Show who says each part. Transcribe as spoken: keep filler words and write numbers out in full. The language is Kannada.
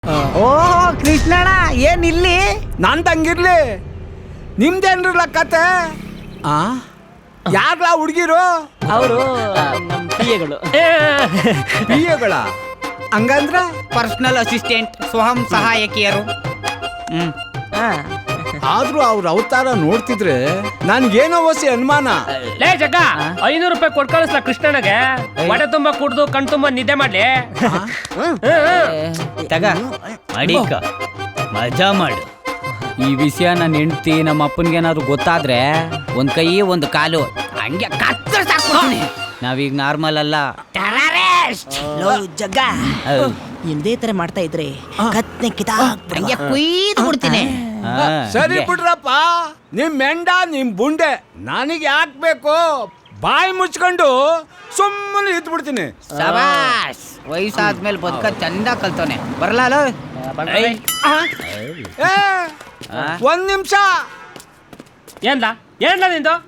Speaker 1: ಓಹೋ ಕೃಷ್ಣಣ್ಣ ಏನ್ ಇಲ್ಲಿ?
Speaker 2: ನಾನ್ ತಂಗಿರ್ಲಿ ನಿಮ್ದೇನ್ರಲ್ಲ ಕತೆ? ಆ ಯಾರ್ಲ ಹುಡ್ಗಿರು?
Speaker 1: ಅವರು ನಮ್ಮ ಪಿಎಗಳು.
Speaker 2: ಪಿಎಗಳ ಹಂಗಂದ್ರ
Speaker 3: ಪರ್ಸನಲ್ ಅಸಿಸ್ಟೆಂಟ್, ಸ್ವಯಂ ಸಹಾಯಕಿಯರು. ಹ್ಮ್
Speaker 2: ಆದ್ರೂ ಅವ್ರ ಅವತಾರ ನೋಡ್ತಿದ್ರೆ ನನ್ಗೇನೋ ಹೊಸಿ ಅನುಮಾನ.
Speaker 4: ಲೇ ಜಗ್ಗ, ಐನೂರು ರೂಪಾಯಿ ಕೊಟ್ ಕಳಿಸ್ಲ ಕೃಷ್ಣನಿಗೆ. ಹೊಟ್ಟೆ ತುಂಬಾ ಕುಡ್ದು ಕಣ್ ತುಂಬಾ ನಿದ್ದೆ ಮಾಡ್ಲಿ.
Speaker 3: ತಗ ಅಡಿಕ ಮಜಾ ಮಾಡು. ಈ ವಿಷಯ ನನ್ನ ಹೆಂಡತಿ ನಮ್ಮ ಅಪ್ಪನಿಗೇನಾದ್ರು ಗೊತ್ತಾದ್ರೆ ಒಂದ್ ಕೈ ಒಂದು ಕಾಲು ಹಂಗೆ ಕತ್ತರ್ ಸಾಕ್ಬಿಡ್ತೀನಿ. ನಾವೀಗ ನಾರ್ಮಲ್ ಅಲ್ಲ.
Speaker 1: ಲೋ ಜಗ್ಗ, ಇದೇ ತರ ಮಾಡ್ತಾ ಇದ್ರೆ ಕತ್ನೆ ಕಿತಾ
Speaker 3: ಹಂಗೆ ಕುಯ್ದು ಬಿಡ್ತೀನಿ.
Speaker 2: ಸರಿ ಬಿಡ್ರಪ್ಪ, ನಿಮ್ ಮೆಂಡ ನಿಮ್ ಬುಂಡೆ ನನಗೆ ಯಾಕೆ ಬೇಕು? ಬಾಯಿ ಮುಚ್ಕೊಂಡು ಸುಮ್ಮನೆ ಇದ್ ಬಿಡ್ತೀನಿ.
Speaker 3: ಶಬಾಷ್, ವಯಸ್ಸಾದ್ಮೇಲೆ ಬದುಕ ಚಂದ ಕಲ್ತವನೆ. ಬರಲ್ಲ
Speaker 2: ಏ ಒಂದ್ ನಿಮಿಷ.
Speaker 4: ಏನ್ಲ ಏನ್ಲ ನಿಂದು?